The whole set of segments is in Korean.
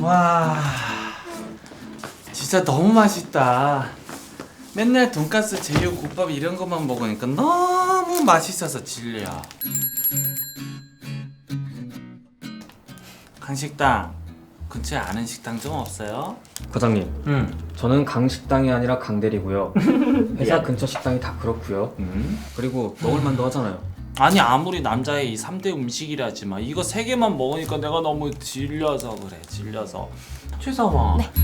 와, 진짜 너무 맛있다. 맨날 돈가스, 제육, 국밥 이런 것만 먹으니까 너무 맛있어서 질려. 강식당 근처에 아는 식당 좀 없어요? 과장님, 응. 저는 강식당이 아니라 강대리고요. 회사 근처 식당이 다 그렇고요. 그리고 먹을만도 하잖아요. 아니 아무리 남자의 이 3대 음식이라지만 이거 3개만 먹으니까 내가 너무 질려서 그래. 질려서. 최사원. 네.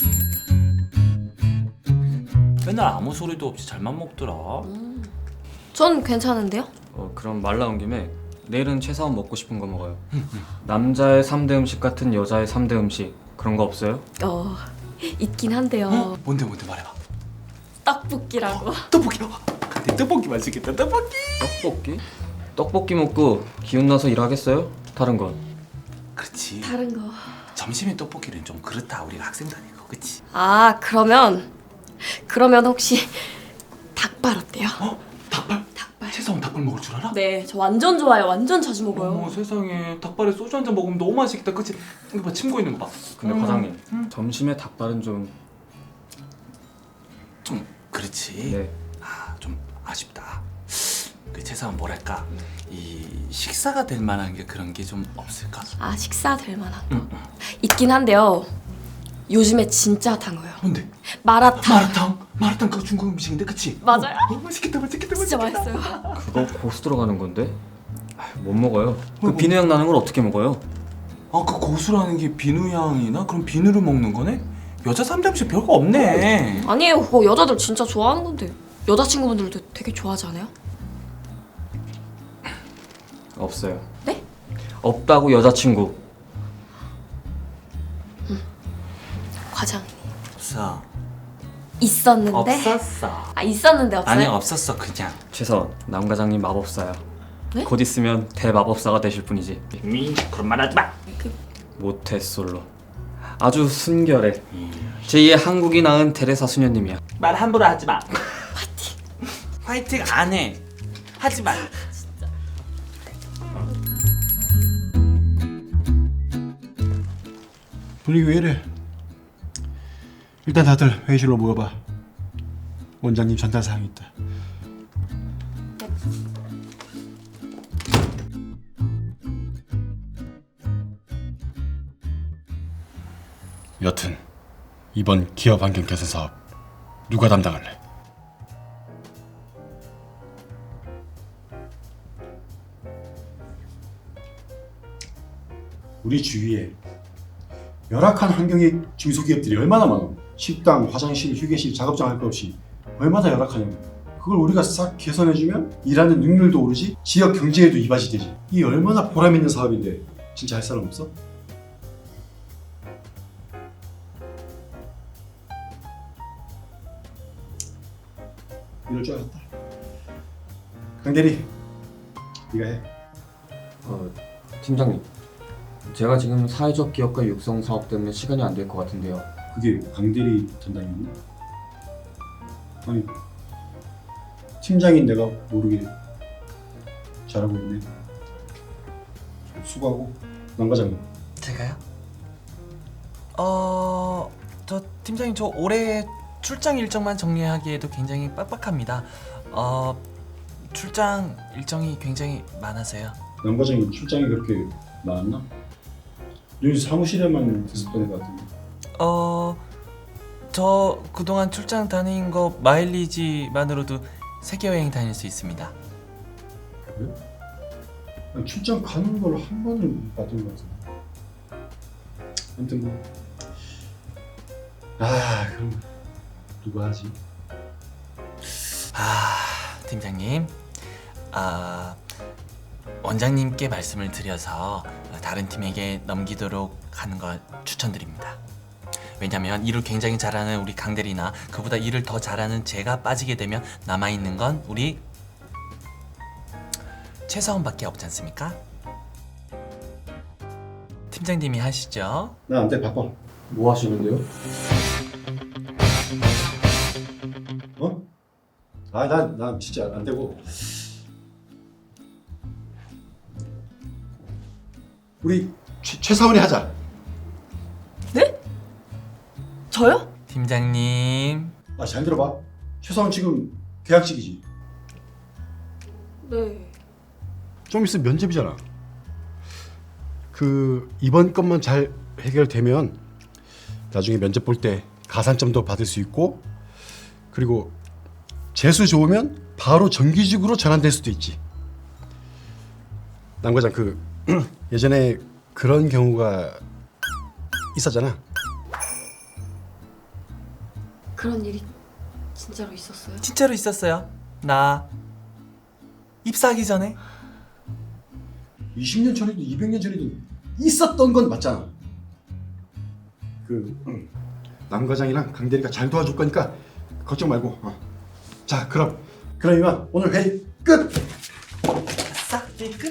맨날 아무 소리도 없이 잘만 먹더라. 전 괜찮은데요? 그럼 말 나온 김에 내일은 최사원 먹고 싶은 거 먹어요. 남자의 3대 음식 같은 여자의 3대 음식 그런 거 없어요? 있긴 한데요. 뭔데 말해봐. 떡볶이라고. 떡볶이. 근데 떡볶이 맛있겠다. 떡볶이. 떡볶이? 떡볶이 먹고 기운 나서 일하겠어요? 다른 건? 그렇지. 다른 거. 점심에 떡볶이는 좀 그렇다. 우리가 학생들 아니고, 그치? 아, 그러면 혹시 닭발 어때요? 닭발? 닭발. 최사원 닭발 먹을 줄 알아? 네, 저 완전 좋아요. 완전 자주 먹어요. 어머 세상에 닭발에 소주 한 잔 먹으면 너무 맛있겠다. 그치? 이거 봐, 침 고이는 거 봐. 근데 과장님, 점심에 닭발은 좀... 좀 그렇지. 네. 좀 아쉽다. 그 최사원 뭐랄까 이 식사가 될 만한 게 그런 게 좀 없을까? 아, 식사 될 만한 거. 있긴 한데요. 요즘에 진짜 핫한 거예요. 뭔데? 마라탕. 마라탕 그거 중국 음식인데, 그치? 맞아요. 맛있겠다. 진짜 맛있어요. 그거 고수 들어가는 건데? 못 먹어요. 그 비누향 나는 걸 어떻게 먹어요? 아, 그 고수라는 게 비누 향이나? 그럼 비누를 먹는 거네? 여자 3대 음식 별거 없네. 아니에요. 그거 여자들 진짜 좋아하는 건데. 여자친구분들도 되게 좋아하지 않아요? 없어요. 네? 없다고 여자친구. 과장님. 없어. 있었는데. 없었어. 아, 있었는데 없어요? 아니 없었어 그냥. 최선, 남 과장님 마법사야. 네? 곧 있으면 대마법사가 되실 분이지. 그런 말 하지 마. 모태솔로. 아주 순결해. 제2의 한국이 낳은 테레사 수녀님이야. 말 함부로 하지 마. 화이팅 안 해. 하지 마. 분위기 왜 이래? 일단 다들 회의실로 모여봐. 원장님 전달 사항이 있다. 여튼 이번 기업 환경 개선 사업 누가 담당할래? 우리 주위에 열악한 환경의 중소기업들이 얼마나 많아. 식당, 화장실, 휴게실, 작업장 할 것 없이 얼마나 열악하냐고. 그걸 우리가 싹 개선해주면 일하는 능률도 오르지, 지역 경제에도 이바지 되지. 이 얼마나 보람 있는 사업인데 진짜 할 사람 없어? 이럴 줄 알았다. 강대리, 네가 해. 팀장님, 제가 지금 사회적 기업가 육성 사업 때문에 시간이 안 될 것 같은데요. 그게 강대리 담당이었나? 아니, 팀장인 내가 모르게 잘하고 있네. 수고하고. 남 과장님. 제가요? 저 팀장님, 저 올해 출장 일정만 정리하기에도 굉장히 빡빡합니다. 출장 일정이 굉장히 많아서요. 남 과장님 출장이 그렇게 많았나? 여기 사무실에만 있었던 것 같은데. 저 그동안 출장 다닌 거 마일리지만으로도 세계 여행 다닐 수 있습니다. 그래? 아니, 출장 가는 걸 한 번을 못 봤던 것 같은데. 아무튼 뭐. 그럼 누가 하지? 팀장님, 원장님께 말씀을 드려서 다른 팀에게 넘기도록 하는 걸 추천드립니다. 왜냐면 일을 굉장히 잘하는 우리 강대리나 그보다 일을 더 잘하는 제가 빠지게 되면 남아있는 건 우리 최사원밖에 없지 않습니까? 팀장님이 하시죠. 나 안 돼, 바빠. 뭐 하시는데요? 어? 난 진짜 안 되고. 우리 최사원이 하자. 네? 저요? 팀장님. 아, 잘 들어봐. 최사원 지금 계약직이지. 네. 좀 있으면 면접이잖아. 그 이번 것만 잘 해결되면 나중에 면접 볼 때 가산점도 받을 수 있고, 그리고 재수 좋으면 바로 정규직으로 전환될 수도 있지. 남 과장, 그 예전에 그런 경우가 있었잖아. 그런 일이 진짜로 있었어요? 진짜로 있었어요. 나 입사하기 전에. 20년 전에도 200년 전에도 있었던 건 맞잖아. 그 남 과장이랑 강 대리가 잘 도와줄 거니까 걱정 말고. 자, 그럼 이만 오늘 회의 끝. 싹 끝.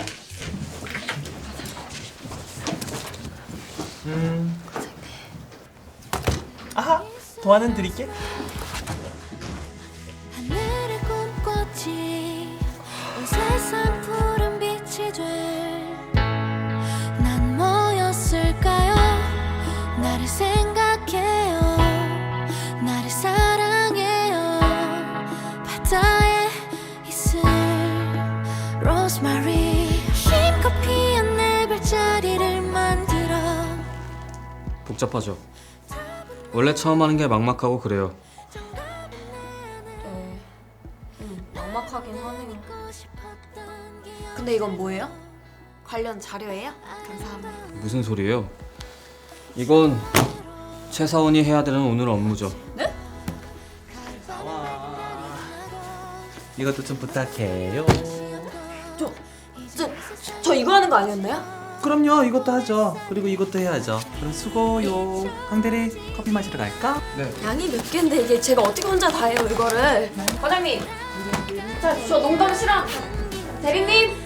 아하, 도안은 드릴게. 하늘을 꿈꿨지 온 세상 푸른 빛이 될난 뭐였을까요? 나를 생각해요, 나를 사랑해요. 바다에 있을 로즈마리 힘껏 피어낸 내 별자리를 만들어. 복잡하죠. 원래 처음 하는 게 막막하고 그래요. 막막하긴 하네요. 근데 이건 뭐예요? 관련 자료예요? 감사합니다. 무슨 소리예요? 이건 최사원이 해야 되는 오늘 업무죠. 이것도 좀 부탁해요. 저 이거 하는 거 아니었나요? 그럼요, 이것도 하죠. 그리고 이것도 해야죠. 그럼 수고요. 강대리, 커피 마시러 갈까? 양이 몇 개인데 이게 제가 어떻게 혼자 다 해요 이거를. 과장님, 자, 저 농담 싫어. 대리님.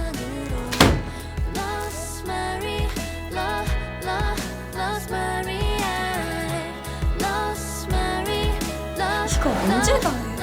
Rosemary, Rosemary, 이거 언제 다 해요?